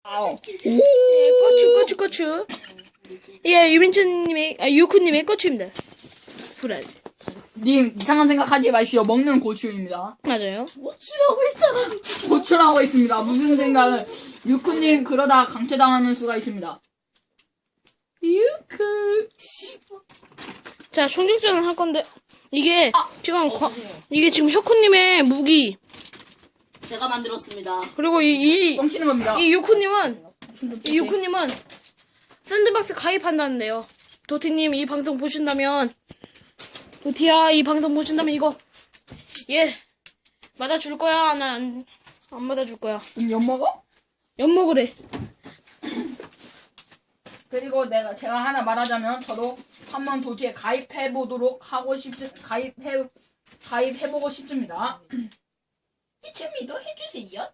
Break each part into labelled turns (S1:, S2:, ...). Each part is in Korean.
S1: 아우.
S2: 고추. 예, 유쿠님의 고추입니다. 불알.
S1: 님 이상한 생각하지 마시오. 먹는 고추입니다.
S2: 맞아요.
S3: 고추라고 했잖아.
S1: 고추라고 했습니다. 무슨 생각을. 유쿠님 그러다 강퇴당하는 수가 있습니다. 유쿠.
S2: 자, 총격전을 할 건데, 이게, 이게 지금 혁쿠님의 무기.
S3: 제가 만들었습니다.
S2: 그리고 이
S1: 뻥치는 겁니다.
S2: 유쿠님은 샌드박스 가입한다는데요. 도티님 이 방송 보신다면, 도티야 이 방송 보신다면 이거, 맞아줄 거야? 난 안 맞아줄 거야.
S1: 엿 먹어?
S2: 엿먹으래.
S1: 그리고 제가 하나 말하자면 저도 한번 도티에 가입해보고 싶습니다. 이쯤이도 해주세요.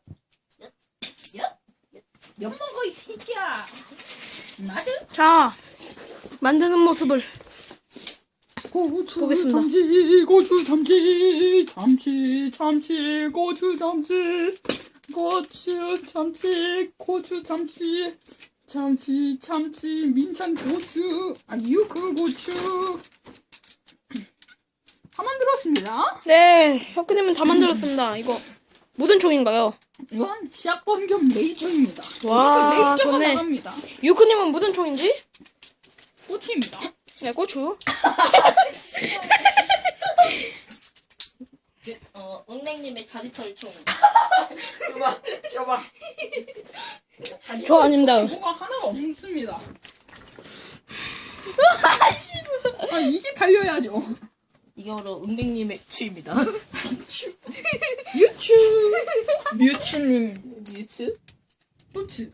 S1: 엿 먹어 이 새끼야. 맞아?
S2: 자, 만드는 모습을
S1: 고추
S2: 보겠습니다.
S1: 참치 고추 참치 참치 참치 고추 참치 고추 참치 고추 참치 참치 참치 민찬 고추 유크 고추 다 만들었습니다.
S2: 네, 혁쿠님은 다 만들었습니다. 이거 무슨 총인가요?
S1: 이건 샷건 겸 레이저입니다.
S2: 와,
S1: 레이저가
S2: 좋네.
S1: 나갑니다.
S2: 유쿠님은 무슨 총인지?
S1: 고추입니다.
S2: 네, 고추.
S3: 은행님의 자지털총.
S1: 줘봐.
S2: 저 아닙니다.
S1: 뭐가 하나가 없습니다. 이게 달려야죠.
S3: 이게 바로 은행님의 추입니다.
S1: 유추. 뮤츠님.
S3: 뮤츠?
S1: 뮤츠.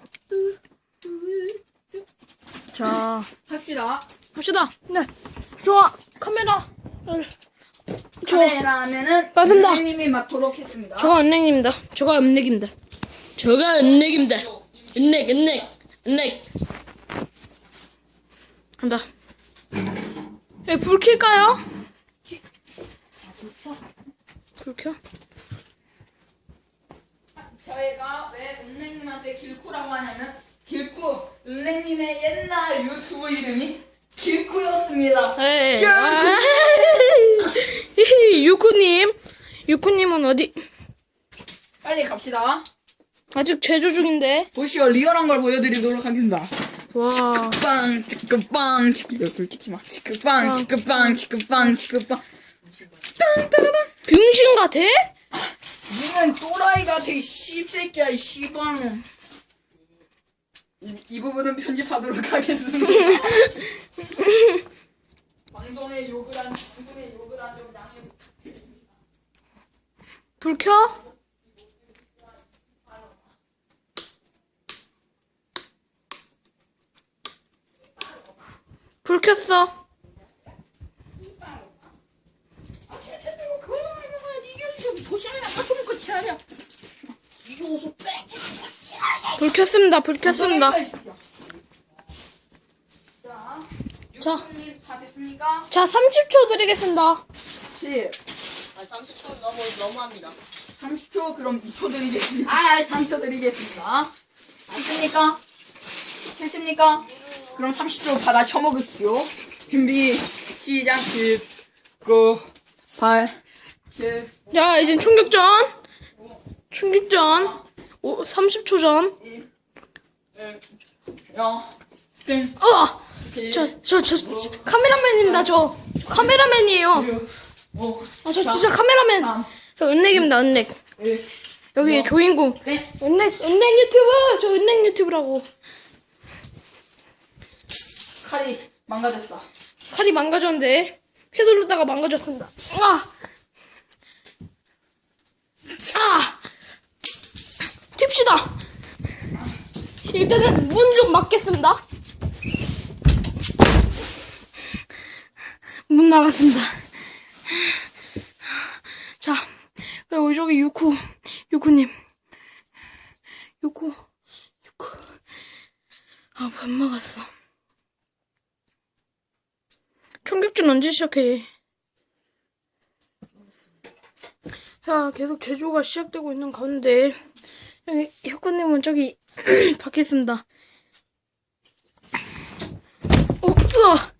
S2: 자,
S1: 합시다.
S2: 네. 좋아. 카메라.
S1: 카메라면은
S2: 맞습니다.
S1: 선생님이 맡도록 했습니다.
S2: 저가 은행입니다. 저가 은행입니다. 은행. 간다. 불 켤까요? 불 켜?
S1: 저희가 왜 은행님한테 길쿠라고 하냐면 길쿠 은행님의 옛날 유튜브 이름이 길쿠였습니다.
S2: 네. 유쿠님은 어디?
S1: 빨리 갑시다.
S2: 아직 제조 중인데.
S1: 보시오 리얼한 걸 보여드리도록 하겠습니다.
S2: 와.
S1: 빵 치크빵 치크빵 찍지마 치크빵 치크빵 치크빵 치크빵 땅따라단
S2: 병신 같아?
S1: 니는 또라이 같아 이 씹새끼야 이 씨발놈. 이 부분은 편집하도록 하겠습니다. 방송에 욕을 한 좀 양해.
S2: 불 켜? 불 켰어. 불 켰습니다. 자,
S1: 다 됐습니까?
S2: 30초 드리겠습니다.
S1: 10
S3: 30초는 너무합니다.
S1: 30초 그럼 2초 드리겠습니다. 3초 드리겠습니다. 안습니까? 됐습니까? 그럼 30초 받아 쳐먹으십시오. 준비 시작. 10 9 8 7
S2: 자, 이젠 총격전. 30초 전.
S1: 0 땡
S2: 저 카메라맨입니다. 저 카메라맨이에요.
S1: 5
S2: 저 진짜 카메라맨.
S1: 3
S2: 저 은넥입니다.
S1: 1
S2: 여기 조인공.
S1: 네.
S2: 은넥 유튜브. 저 은넥 유튜브라고.
S1: 칼이 망가졌어.
S2: 칼이 망가졌는데 휘두르다가 망가졌습니다. 튑시다. 일단은 문 좀 막겠습니다. 문 막았습니다. 자, 그리고 저기 유쿠님. 유쿠. 문 막았어. 총격전 언제 시작해? 자, 계속 제조가 시작되고 있는 가운데 여기 혁구님은 저기 밖에 있습니다. 으아!